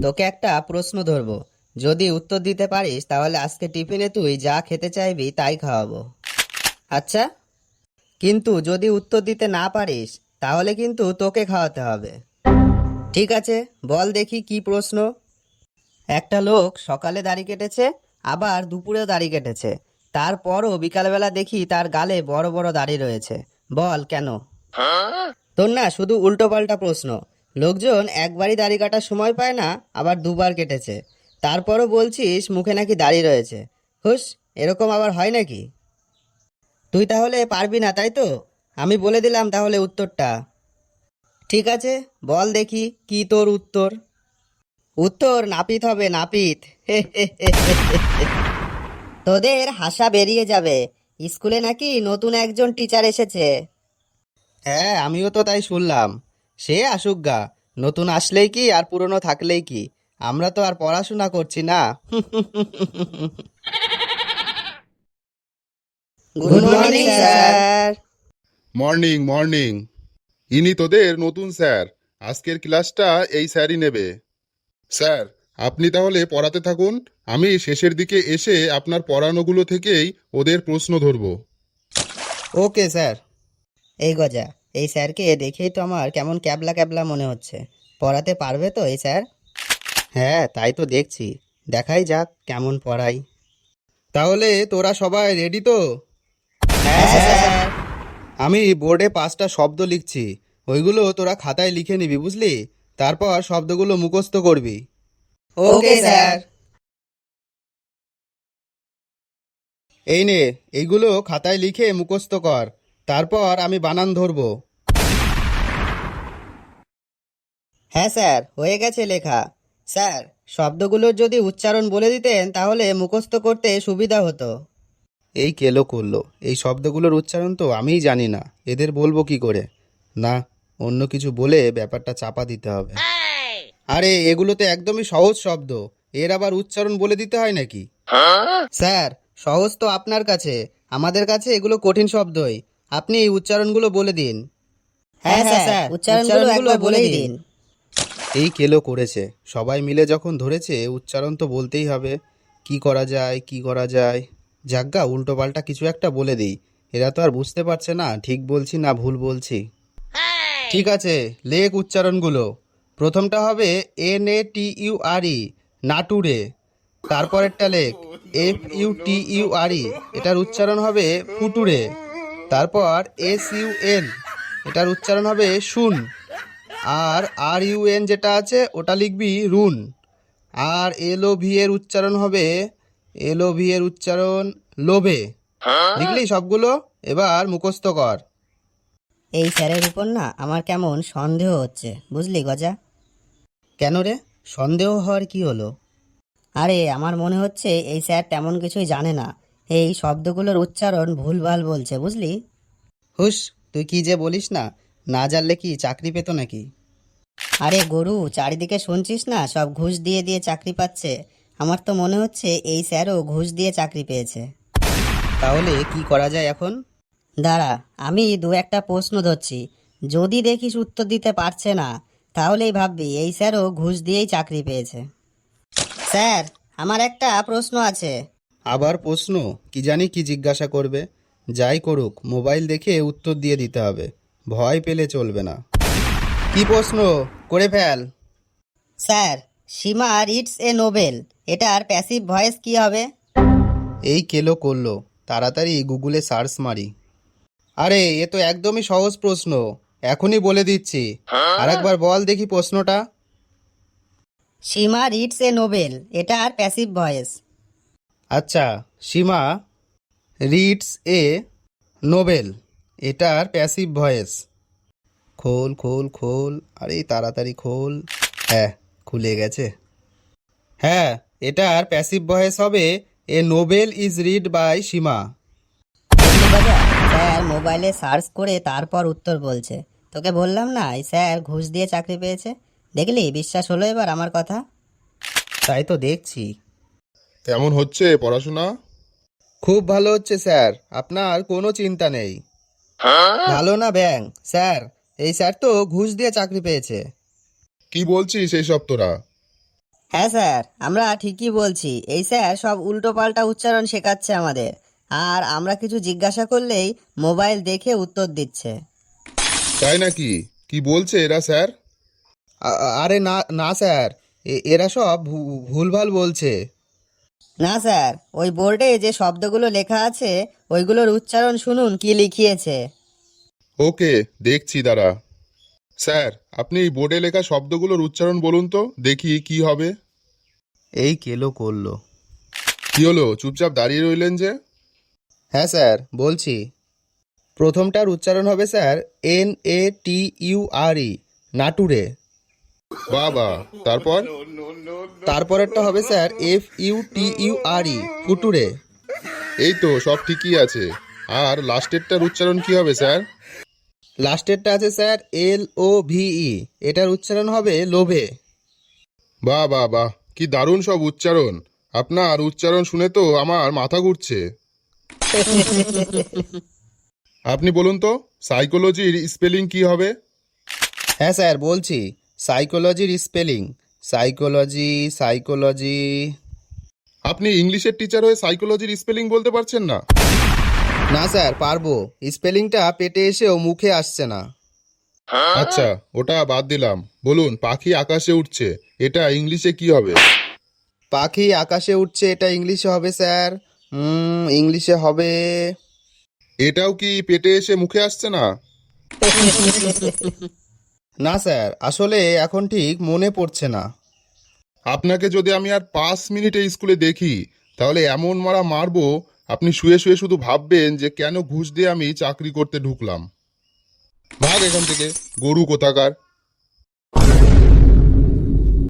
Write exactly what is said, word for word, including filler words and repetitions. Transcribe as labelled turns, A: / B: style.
A: তোকে একটা প্রশ্ন ধরবো, যদি উত্তর দিতে পারিস তাহলে আজকে টিফিনে তুই যা খেতে চাইবি তাই খাওয়াবো। আচ্ছা, কিন্তু যদি উত্তর দিতে না পারিস তাহলে কিন্তু তোকে খাওয়াতে হবে। ঠিক আছে, বল দেখি কি প্রশ্ন। একটা লোক সকালে দাড়ি কেটেছে, আবার দুপুরেও দাড়ি কেটেছে, তারপরও বিকালবেলা দেখি তার গালে বড় বড় দাড়ি রয়েছে। বল কেন? তোর না শুধু উল্টো পাল্টা প্রশ্ন। লোকজন একবারই দাড়ি কাটার সময় পায় না, আবার দুবার কেটেছে, তারপরও বলছিস মুখে নাকি দাড়ি রয়েছে। হুস, এরকম আবার হয় নাকি? তুই তাহলে পারবি না, তাই তো? আমি বলে দিলাম তাহলে উত্তরটা। ঠিক আছে, বল দেখি কি তোর উত্তর। উত্তর নাপিত হবে, নাপিত। তোদের হাসা বেরিয়ে যাবে, স্কুলে নাকি নতুন একজন টিচার এসেছে। হ্যাঁ, আমিও তো তাই শুনলাম। সে আসুক গা, নতুন আসলেই কি আর পুরনো থাকলেই কি, আমরা তো আর পড়াশোনা করছি না। Good morning sir.
B: Morning morning. ইনি তোদের নতুন স্যার। আজকের ক্লাসটা এই স্যারই নেবে। স্যার, আপনি তাহলে পড়াতে থাকুন, আমি শেষের দিকে এসে আপনার পড়ানোগুলো থেকেই ওদের প্রশ্ন ধরব।
A: Okay sir. এই গজা, এই স্যারকে দেখেই তো আমার কেমন ক্যাবলা ক্যাবলা মনে হচ্ছে। পড়াতে পারবে তো এই স্যার? হ্যাঁ, তাই তো দেখছি। দেখাই যাক কেমন পড়াই। তাহলে তোরা সবাই রেডি তো? হ্যাঁ স্যার। আমি বোর্ডে পাঁচটা শব্দ লিখছি, ওইগুলো তোরা খাতায় লিখে নিবি, বুঝলি? তারপর শব্দগুলো মুখস্থ করবি। Okay sir. এই নে, এইগুলো খাতায় লিখে মুখস্থ কর, তারপর আমি বানান ধরবো। হ্যাঁ স্যার, হয়ে গেছে লেখা। স্যার, শব্দগুলোর যদি উচ্চারণ বলে দিতেন তাহলে মুখস্থ করতে সুবিধা হতো। এই কেলো করলো, এই শব্দগুলোর উচ্চারণ তো আমিই জানি না, এদের বলবো কি করে? না, অন্য কিছু বলে ব্যাপারটা চাপা দিতে হবে। আরে এগুলো তো একদমই সহজ শব্দ, এর আবার উচ্চারণ বলে দিতে হয় নাকি? স্যার, সহজ তো আপনার কাছে, আমাদের কাছে এগুলো কঠিন শব্দই। আপনি এই উচ্চারণগুলো বলে দিন। হ্যাঁ স্যার, উচ্চারণগুলো একবার বলেই দিন। এই কেলো করেছে, সবাই মিলে যখন ধরেছে উচ্চারণ তো বলতেই হবে। কি করা যায়, কি করা যায়? যাজ্ঞা, উল্টো পাল্টা কিছু একটা বলে দিই, এরা তো আর বুঝতে পারছে না ঠিক বলছি না ভুল বলছি। ঠিক আছে, লেখ উচ্চারণগুলো। প্রথমটা হবে N A T U R E, নাটুরে। তারপরেরটা লেখ F U T U R E, এটার উচ্চারণ হবে ফুটুরে। তারপর এস ইউ এন, এটার উচ্চারণ হবে শুন। আর আর ইউ এন যেটা আছে ওটা লিখবি রুন। আর এল ও ভি এর উচ্চারণ হবে, এল ও ভি এর উচ্চারণ লোভে। লিখলি সবগুলো? এবার মুখস্থ কর। এই স্যারের উপর না আমার কেমন সন্দেহ হচ্ছে, বুঝলি গজা? কেন রে, সন্দেহ হওয়ার কি হলো? আরে আমার মনে হচ্ছে এই স্যার তেমন কিছুই জানে না, এই শব্দগুলোর উচ্চারণ ভুলভাল বলছে, বুঝলি? হুস, তুই কি যে বলিস না, না জানলে কি চাকরি পেতো নাকি? আরে গরু, চারিদিকে শুনছিস না সব ঘুষ দিয়ে দিয়ে চাকরি পাচ্ছে। আমার তো মনে হচ্ছে এই স্যারও ঘুষ দিয়ে চাকরি পেয়েছে। তাহলে কি করা যায় এখন? দাঁড়া, আমি দু একটা প্রশ্ন ধরছি, যদি দেখিস উত্তর দিতে পারছে না তাহলেই ভাববি এই স্যারও ঘুষ দিয়েই চাকরি পেয়েছে। স্যার, আমার একটা প্রশ্ন আছে। আবার প্রশ্ন? কি জানি কি জিজ্ঞাসা করবে। যাই করুক, মোবাইল দেখে উত্তর দিয়ে দিতে হবে, ভয় পেলে চলবে না। কি প্রশ্ন? করে ফেল। Sir, Seema reads a novel, এটার প্যাসিভ ভয়েস কি হবে? এই কেলো করলো, তাড়াতাড়ি গুগলে সার্চ মারি। আরে এ তো একদমই সহজ প্রশ্ন, এখনই বলে দিচ্ছি। আরেকবার বল দেখি প্রশ্নটা। সীমা রিডস এ নোবেল, এটার প্যাসিভ ভয়েস। আচ্ছা, সীমা রিডস এ নোবেল, এটার প্যাসিভ ভয়েস। খোল খোল খোল, আরে তাড়াতাড়ি খোল। হ্যাঁ, খুলে গেছে। হ্যাঁ, এটার প্যাসিভ ভয়েস হবে a novel is read by Seema. Sir মোবাইলে সার্চ করে তারপর উত্তর বলছে। তোকে বললাম না এই স্যার ঘুষ দিয়ে চাকরি পেয়েছে। দেখলি, বিশ্বাস হলো এবার আমার কথা? তাই তো দেখছি।
B: কেমন হচ্ছে পড়াশোনা?
A: খুব ভালো হচ্ছে স্যার, আপনার কোনো চিন্তা নেই। ভালো না ব্যাং স্যার, এই স্যার তো ঘুষ দিয়ে চাকরি পেয়েছে।
B: কি বলছিস এইসব তোরা?
A: হ্যাঁ স্যার, আমরা ঠিকই বলছি। এই স্যার সব উল্টো পাল্টা উচ্চারণ শেখাচ্ছে আমাদের, আর আমরা কিছু জিজ্ঞাসা করলেই মোবাইল দেখে উত্তর দিচ্ছে।
B: তাই নাকি? কি বলছে এরা স্যার?
A: আরে না না স্যার, এরা সব ভু- ভুলভাল বলছে। না স্যার, ওই বোর্ডে যে শব্দগুলো লেখা আছে ওইগুলোর উচ্চারণ শুনুন কি লিখিয়েছে।
B: ওকে, দেখছি দাঁড়া। স্যার, আপনি এই বোর্ডে লেখা শব্দগুলোর উচ্চারণ বলুন তো, দেখি কি হবে।
A: এই কেলো করলো।
B: কি হলো, চুপচাপ দাঁড়িয়ে রইলেন যে?
A: হ্যাঁ স্যার, বলছি। প্রথমটার উচ্চারণ হবে sir N A T U R E, নাটুরে।
B: বাবা, তারপর?
A: তারপরেরটা হবে sir F U T U R E, ফুটুরে।
B: এই তো সব ঠিকই আছে। আর লাস্টেরটার উচ্চারণ কি হবে স্যার?
A: লাস্টেরটা আছে স্যার এল ও ভি ই, এটার উচ্চারণ হবে লোভে।
B: বাহ বাহ বাহ, কি দারুণ সব উচ্চারণ! আপনার উচ্চারণ শুনে তো আমার মাথা ঘুরছে। আপনি বলুন তো, সাইকোলজির স্পেলিং কি হবে?
A: হ্যাঁ স্যার, বলছি। সাইকোলজির স্পেলিং, সাইকোলজি সাইকোলজি
B: আপনি ইংলিশের টিচার হয়ে সাইকোলজির স্পেলিং বলতে পারছেন না?
A: না স্যার, পারবো। স্পেলিংটা পেটে এসেও মুখে আসছে না।
B: আচ্ছা, ওটা বাদ দিলাম। বলুন, পাখি আকাশে উঠছে, এটা ইংলিশে কি হবে?
A: পাখি আকাশে উঠছে, এটা ইংলিশে হবে স্যার। হুম ইংলিশে হবে।
B: এটাও কি পেটে এসে মুখে আসছে না?
A: না স্যার, আসলে এখন ঠিক মনে পড়ছে না।
B: আপনাকে যদি আমি আর পাঁচ মিনিটে স্কুলে দেখি, তাহলে এমন মারা মারবো, আপনি শুয়ে শুয়ে শুধু ভাববেন যে কেন ঘুষ দিয়ে আমি চাকরি করতে ঢুকলাম। ভাগ এখান থেকে, গরু কোথাকার!